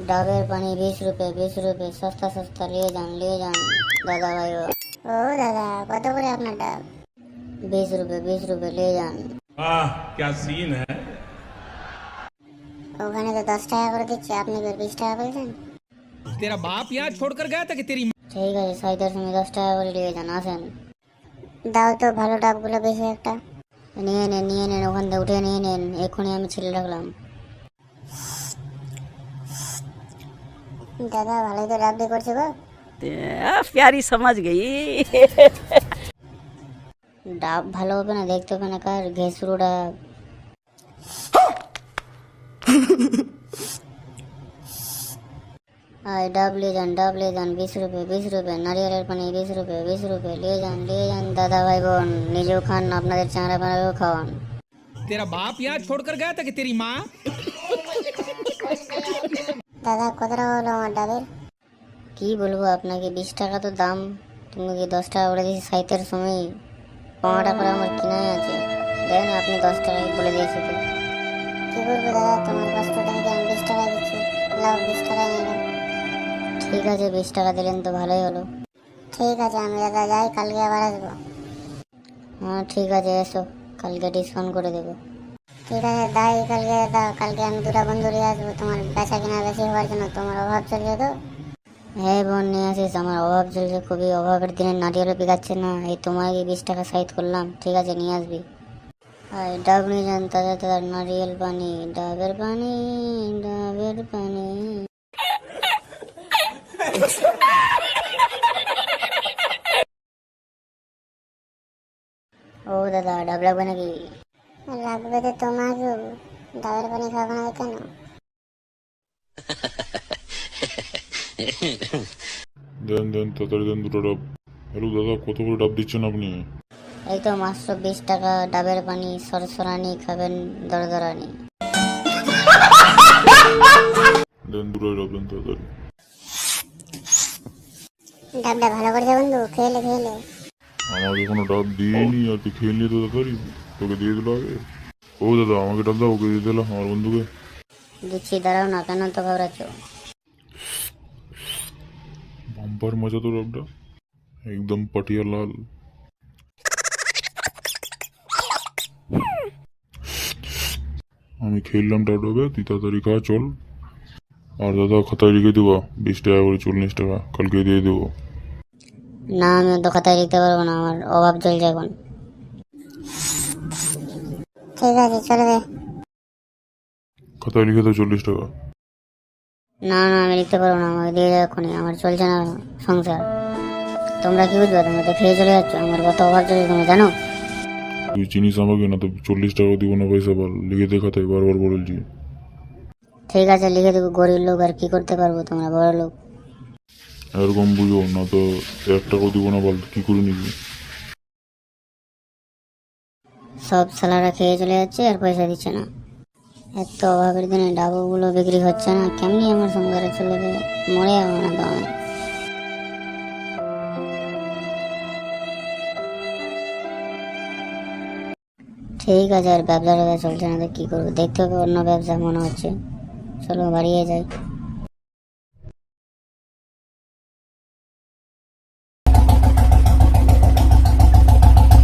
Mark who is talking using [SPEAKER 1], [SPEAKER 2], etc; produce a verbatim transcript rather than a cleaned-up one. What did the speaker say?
[SPEAKER 1] ডাবের পানি बीस रुपए बीस रुपए सस्ता सस्ता लिए जान लिए जान दादा भाई ও দাদা কত করে আপনার ডাব? बीस रुपए बीस रुपए लिए जान।
[SPEAKER 2] आह क्या सीन है।
[SPEAKER 1] ওখানে তো দশ টাকা করে দিচ্ছে, আপনি কি বিশ টাকা বলছেন?
[SPEAKER 3] तेरा बाप यहाँ छोड़कर गया था कि तेरी
[SPEAKER 1] ঠিক আছে সাইদার সময় দশ টাকা করে দিয়ে যান। আসেন দাও তো ভালো ডাবগুলো বেশি একটা নিয়ে নেন নিয়ে নেন ওখান থেকে উঠে নিয়ে নেন, এক্ষুনি আমি ছেলে রাখলাম। দাদা ভালোই তো ডাব দিয়ে করছে গো।
[SPEAKER 4] प्यारी समझ गई।
[SPEAKER 1] ডাব ভালো হবে না, দেখতে হবে না কার ঘেসুরো ডাব। आए डाब ले जान डाब ले जान बीस रुपए बीस रुपए नारियल पानी बीस रुपए बीस रुपए ले जान ले जान दादा भाई বোন নিজেও খান আপনাদের চাঁড়া পাড়াও খাওয়ান।
[SPEAKER 3] तेरा बाप यहाँ छोड़कर गया था कि तेरी माँ।
[SPEAKER 1] দাদা কত টাকা হলো আমার ডাবের? কি বলবো আপনাকে, বিশ টাকা তো দাম, তুমি কি দশ টাকা বলে দিয়েছি সাইতের সময়, পনেরো টাকা করে আমার কিনাই আছে, দেন আপনি দশ টাকায় বলে দিয়েছি তো কি করবো দাদা, তোমার কষ্টটা থেকে আমি বিশ টাকা দিচ্ছি, লাও বিশ টাকা নিয়ে নাও। ঠিক আছে বিশ টাকা দিলেন তো ভালোই হলো। ঠিক আছে আমি দাদা যাই, কালকে আবার আসবো। হ্যাঁ ঠিক আছে এসো, কালকে ডিসকাউন্ট করে দেবো। ঠিক আছে দাই কালকে দাদা, কালকে আমি দুটা বন্ধু নিয়ে আসবো তোমার বেচা কিনা বেশি হওয়ার জন্য। তোমার অভাব চলছে তো? হ্যাঁ বোন নিয়ে আসিস, আমার অভাব চলছে খুবই, অভাবের দিনে নারিয়েলও পিকাচ্ছে না, এই তোমাকে বিশ টাকা সাইড করলাম। ঠিক আছে নিয়ে আসবি। আর ডাব নিয়ে যান তাজা তাজা নারিয়েল পানি, ডাবের পানি ডাবের পানি। ও দাদা ডাব লাগবে নাকি? লাগবে তো তোমাকে, ডাবের পানি খাবো না কেন?
[SPEAKER 5] দেন দেন তাড়াতাড়ি দেন দুটো ডাব। হ্যালো দাদা কত করে ডাব দিচ্ছেন আপনি?
[SPEAKER 1] এই তো মাত্র বিশ টাকা ডাবের পানি, সরসরানি খাবেন দরদরানি।
[SPEAKER 5] দেন দুটো ডাব দেন তাড়াতাড়ি।
[SPEAKER 1] ডাবটা ভালো করেছে বন্ধু, খেলে খেলে।
[SPEAKER 5] আমাকে কোনো ডাব দিইনি আর তুই খেয়ে নিয়ে তো তাড়াতাড়ি, তোকে দিয়ে দিল আগে। ও দাদা আমাকে ডাব দাও, ওকে দিয়ে দিলাম আমার বন্ধুকে।
[SPEAKER 1] দিচ্ছি দাঁড়াও না, কেন তো ঘাবড়াচ্ছ?
[SPEAKER 5] বাম্পার মজা তো ডাবটা, একদম পাটিয়া লাল। আমি খেললাম ডাবডাবে, তুই তাড়াতাড়ি খা চল। আর দাদা খাতায় লিখে দেবো বিশ টাকা করে চল্লিশ টাকা, কালকে দিয়ে দেবো।
[SPEAKER 1] না আমি তো খাতায় লিখতে পারবো না, আমার অভাব চলছে এখন। ঠিক আছে চলবে।
[SPEAKER 5] খাতায় লিখে দাও চল্লিশ টাকা।
[SPEAKER 1] না না আমি লিখতে পারবো না, আমাকে দিয়ে যাও এক্ষুনি, আমার চলছে না সংসার। তোমরা কি বুঝবে, তোমরা তো খেয়ে চলে যাচ্ছ, আমার কত অভাব চলছে তুমি জানো?
[SPEAKER 5] তুই চিনিস আমাকে না তো, চল্লিশ টাকা দিব না পয়সা বল, লিখে দে খাতায়, বারবার বলছি।
[SPEAKER 1] ঠিক আছে লিখে দেবো, গরিব লোক আর কি করতে পারবো, তোমরা বড় লোক।
[SPEAKER 5] এরকম বুঝো না তো, এক টাকাও দিব না বল, কি করে নিবি?
[SPEAKER 1] সব সালারা খেয়ে চলে যাচ্ছে আর পয়সা দিচ্ছে না, এত অভাবের দিনে ডাবগুলো বিক্রি হচ্ছে না, কেমনি আমার সংসারে চলবে, মরে যাবো না তো আমি। ঠিক আছে আর ব্যবসা ট্যাবসা চলছে না তো কি করবো, দেখতে হবে অন্য ব্যবসা মনে হচ্ছে, চলো বাড়িয়ে যাই।